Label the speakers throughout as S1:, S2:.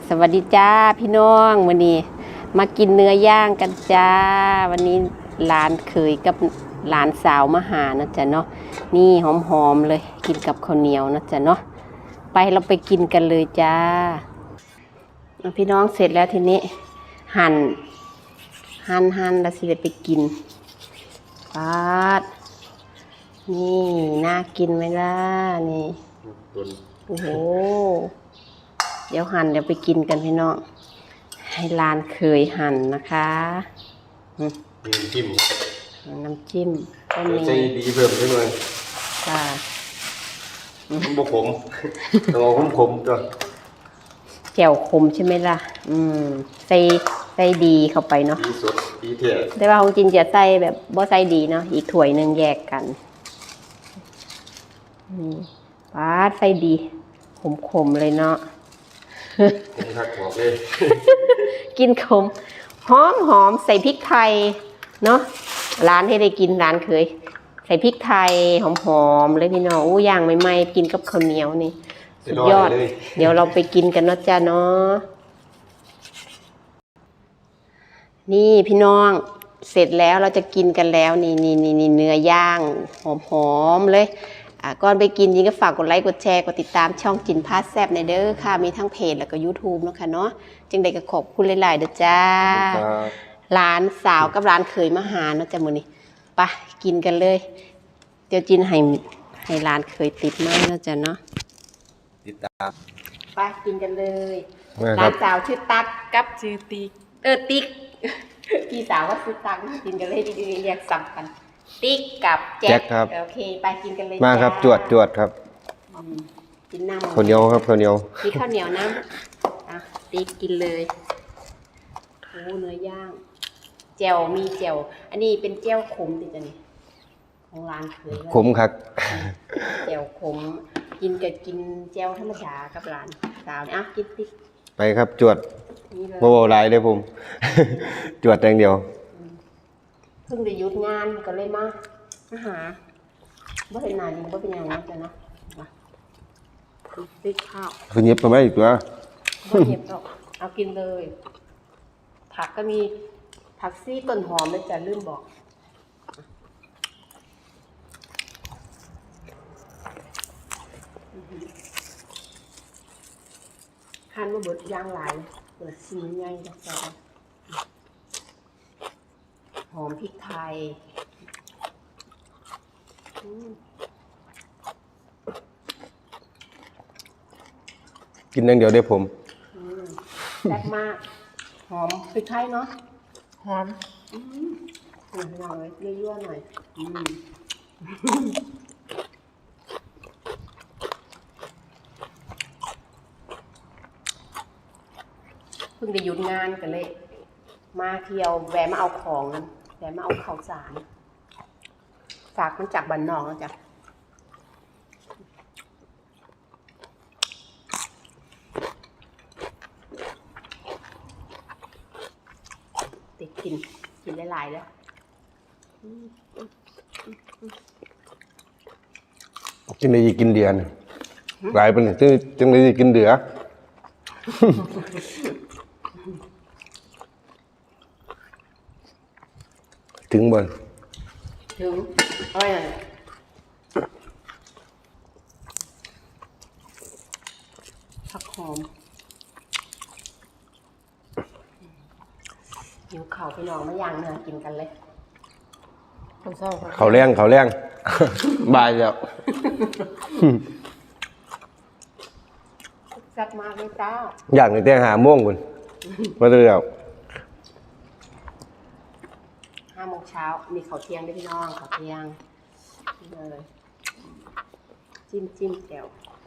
S1: สวัสดีจ้าพี่น้องวันนี้มากินเนื้อย่างกันจ้าวันนี้หลานเขยกับหลานสาวมาหานะจ๊ะเนาะนี่หอมๆเลยกินกับข้าวเหนียวนะจ๊ะเนาะไปเราไปกินกันเลยจ้าพี่น้องเสร็จแล้วทีนี้หั่นแล้วสิไปกินปาดนี่น่ากินไหมล่ะนี่โอ้โหเดี๋ยวหั่นเดี๋ยวไปกินกันพี่น้องให้หลานเคยหั่นนะคะ
S2: น้ำจิ้ม
S1: ก็มี
S2: ใจดีเพิ่มขึ้นเลย
S1: ค่ะ
S2: มันบขมต้องเอาขมจ้ะ
S1: แจ่วขมใช่ไหมล่ะใส่ดีเข้าไปเนาะ
S2: ดีสดดีเท่
S1: แต่ว่าของจินจะใส่แบบบ่ใส่ดีเนาะอีกถ้วยหนึ่งแยกกันป้าใส่ดีขมเลยเนาะ
S2: ผมทักบอกเลย
S1: กินขมหอมใส่พริกไทยเนาะร้านให้ได้กินร้านเคยใส่พริกไทยหอมเลยพี่น้องอู้ย่างใหม่ๆกินกับข้าวเหนียวนี่สุดยอดเดี๋ยวเราไปกินกันเนาะจ้าเนาะนี่พี่น้องเสร็จแล้วเราจะกินกันแล้วนี่เนื้อย่างหอมเลยก่อนไปกินยิงก็ฝากกดไลค์กดแชร์กดติดตามช่องจินพาแซบในเด้อค่ะมีทั้งเพจแล้วก็ YouTube เนาะค่ะเนาะจึงได้ก็ขอบคุณหลายๆเด้อจ้าหลานสาวกับหลานเขยมาหาเนาะจ้ามื้อนี้ไปกินกันเลยเดี๋ยวจินให้หลานเขยติดไม้เนาะจ้าเนาะ
S2: ติดตาม
S1: ไปกินกันเลยหลานสาวชื่อตั๊กกับชื่อติ๊กติ๊กพี่สาวว่าซื้อตังค์กินกันเลยดีๆเรียกสับกันติ๊กกับแจ็ค
S2: ครับ
S1: โอเคไปกินกันเลย
S2: มาครับจวดครับ
S1: กินน้ำ
S2: ข้าวเหนียวครับข้าวเหนียว
S1: กินข้าวเหนียวน้ำติ๊กกินเลยโอ้เนื้อย่างแจ่วมีแจ่วอันนี้เป็นแจ่วขมดิจ้ะนี่ของร้านเคย
S2: ขมครับ
S1: แจ่วขมกินกับกินแจ่วธรรมดากับร้านสาวเนี่ยกินติ๊ก
S2: ไปครับจวดโบราณเลยผม จวดอย่างเดียว
S1: เพิ่งได้หยุดงานก็เลยมาหาบ่เป็นนานบ่เป็นอย่างนั้นจ้ะนะมาติ๊กข้าว
S2: คือเย็บไปไหมอีกตัว
S1: บ่เย็บหรอกเอากินเลยผักก็มีผักซี่ต้นหอมเลยจ้ะลืมบอกหั่นมาเบิดย่างหลายเปิดซีนใหญ่จ้ะหอมพริกไทย
S2: กินอย่างเดียวได้ผม
S1: แซ่บมากหอมพริกไทยเนาะหอมหน่อยยั่วๆหน่อยเพิ่งได้หยุดงานกันเลยมาเที่ยวแวะมาเอาของนั้นแวะมาเอาข้าวสารฝากมันจากบ้านนอกนะจ๊ะติดกินหลายๆแล้ว
S2: จึงได้กินเดือนหลายเป็นจึงได้กินเดือถึงบ่
S1: ถึงอะไรผักหอมหิวเข่าไปนอนมาย่างเนื้อกินกันเลย
S2: เขาแรงบายแล้ว
S1: แซ่บมากเลยจ้า
S2: อย่างนี้แต่5 โมงคุณมาเรื่อย
S1: 5 โมงเช้ามีข้าวเที่ยงด้วยพี่น้องข้าวเที่ยงนี่เลยจิ้มแจ่ว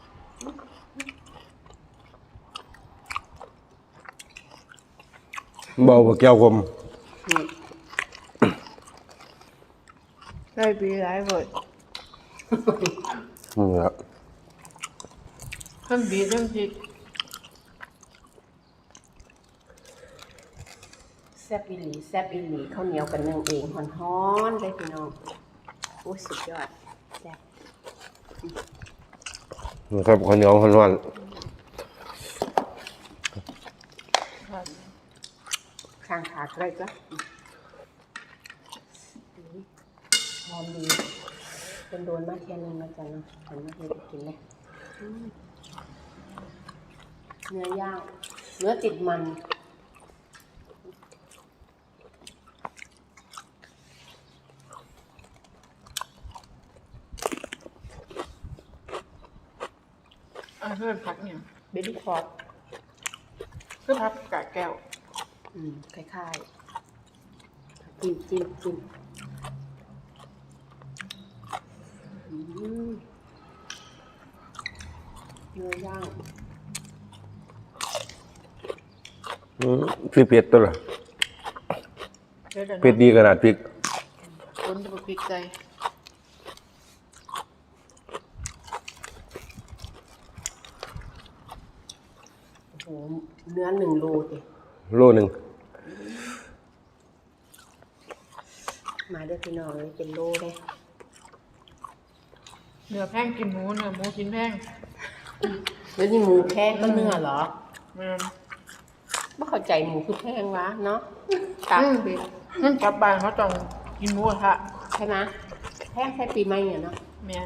S2: เบาแก้วคม
S1: ได้ปีไรหมด
S2: ครับ
S1: ขึ้นบีเรื่องพริกแซ่บอีหลีข้าวเหนียวกันนึ่งเองฮ้อนๆเลยพี่น้องโอ้สุดยอดแซ่บ
S2: นะครับข้าวเหนียวร้อน
S1: ข้างขาอะไรก็หอมดีเป็นโดนมากแค่นึงนะจ๊ะเนาะฉันมาเฮ็ดกินเลยเนื้อย่างเนื้อติดมัน
S3: เพื่อนพักเนี่ย
S1: เบบี้คอร์ด
S3: เพื่อนพักกะแก้ว
S1: คล้ายๆจิ้มเนื้อย่าง
S2: พริกเผ็ดตัวละเผ็ดดีขนาดพริก
S3: คนจะมาพริกใจ
S1: โอ้โหเนื้อ1 โลดิ
S2: โลหนึ่ง
S1: มาด้วยพี่น้องเลยเป็นโลเลย
S3: เนื้อแพงกินหมูเนื้อหมูกินแพง
S1: แล้วนี่หมูแพงก็เนื้อเหรอ
S3: มัน
S1: ไม่เข้าใจหมูคือแพงวะเนาะตับดิ
S3: กลับบ้านเขาต้องกินหมูกระทะ
S1: ใช่ไหมแพงแค่ปีใหม่เนี่ยเนาะ
S3: แมน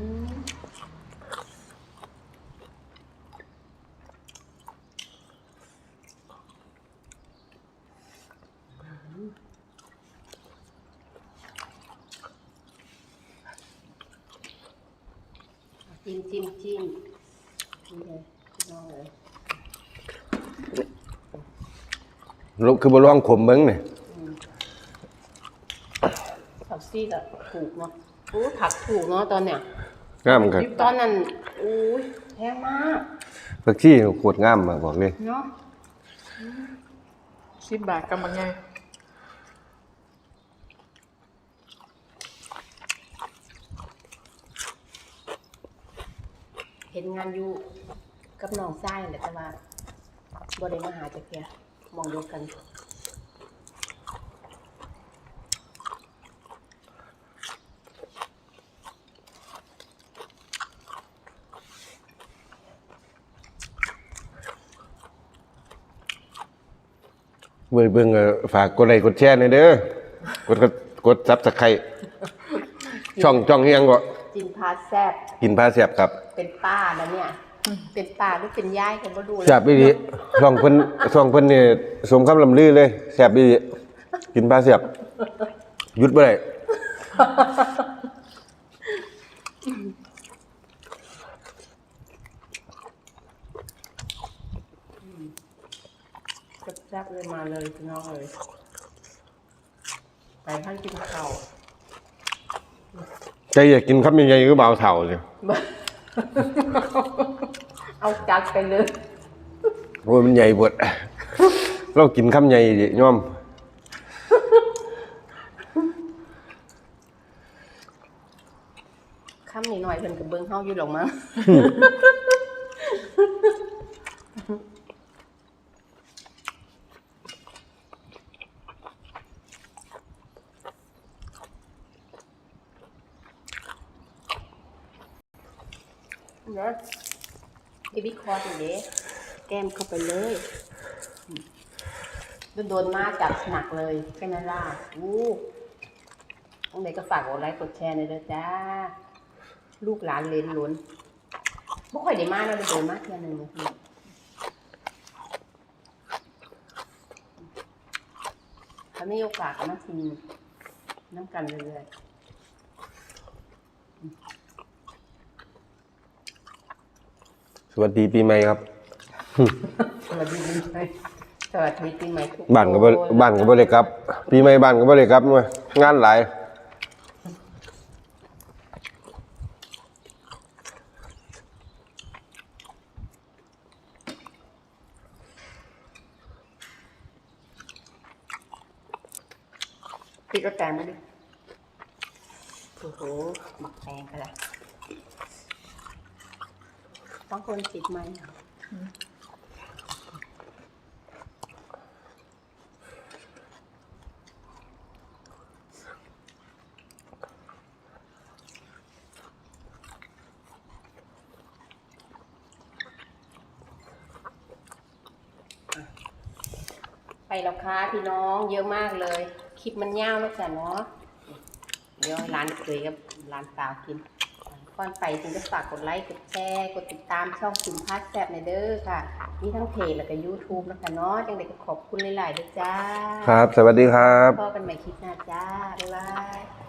S1: จิ้มนี่เลยพี่น้องเลย
S2: คือบะร่องขมเบิ้งเนี่ย
S1: ผักซีกอะถูกเนาะโอ้ผักถูกเนาะตอนเนี้ย
S2: งามครับ
S1: ตอนนั้นอุ้ยแพงมาก
S2: ผักชีโคตรงามมาบอกเลย
S1: เนาะ
S3: 10 บาทกำลังไง
S1: เห็นงานอยู่กับน้องชายแหละแต่ว่าบ่ได้มาหาจักเที่ยมองเดียวกัน
S2: เบิ่งฝากกดไลค์กดแชร์หน่อยเด้อกดซับสไครต์ช่องเฮียงก็
S1: จินพาแซ่บ
S2: กินพาแซ่บครับ
S1: เป็นป้าแล้วเนี่ย เป็นป้าหรือเป็นยายกันบ่ดูเลย
S2: แซ่บอีหลีช่องเพิ่นนี่สมคำลำลือเลยแซ่บอีหลีกินพาแซ่บหยุดบ่ได้
S1: แซ่บๆเลยมาเลยพี่น้องเลยไปท่านกินข้าว
S2: ใจอยากกินคำใหญ่ๆก็บ่าวเฒ่าเลย
S1: เอาจัดไปเลย
S2: โอ้ยมันใหญ่เบิดเรากินคำใหญ่ดิยอม
S1: ค่ำนิดหน่อยเพิ่นก็เบิ่งเฮาอยู่หรอกมั้ง เนาะเบบี้คอร์ดอย่างเด้แก้มเข้าไปเลยโดนมาจัดหนักเลยใช่ไหมล่ะตรงไหนก็ฝากกดไลค์กดแชร์หน่อยเด้อจ้า ลูกหลานเลนล้นบ่ค่อยได้มาเนาะได้โดนมาเที่ยหนึงนะพี่ถ้ามีโอกาสก็มากินน้ำกันเรื่อยๆ
S2: สวัสดีปีใหม่ครับ
S1: สวัสดีปีใหม่สวัสดีปีใหม่ทุก
S2: บ้านก็บ่ได้กลับ ปีใหม่บ้านก็บ่ได้กลับมางานหลาย
S1: พี่ก็แตงมาดิโอ้โหหมักแตงกันละต้องคนติดไหมอ่ะไปแล้วค่ะพี่น้องเยอะมากเลย คลิปมันยาวแล้วจ้ะเนาะเดี๋ยวร้านเคยกับร้านสาวกินก่อนไปถึงจะฝากกดไลค์กดแชร์กดติดตามช่องคุณพัดแซ่บในเด้อค่ะมีทั้งเพจแล้วก็ YouTube นะคะเนาะจังไดก็ขอบคุณหลายๆด้วยจ้า
S2: ครับ สวัสดีครับ
S1: พบกันใหม่คลิปหน้าจ้าบ๊ายบาย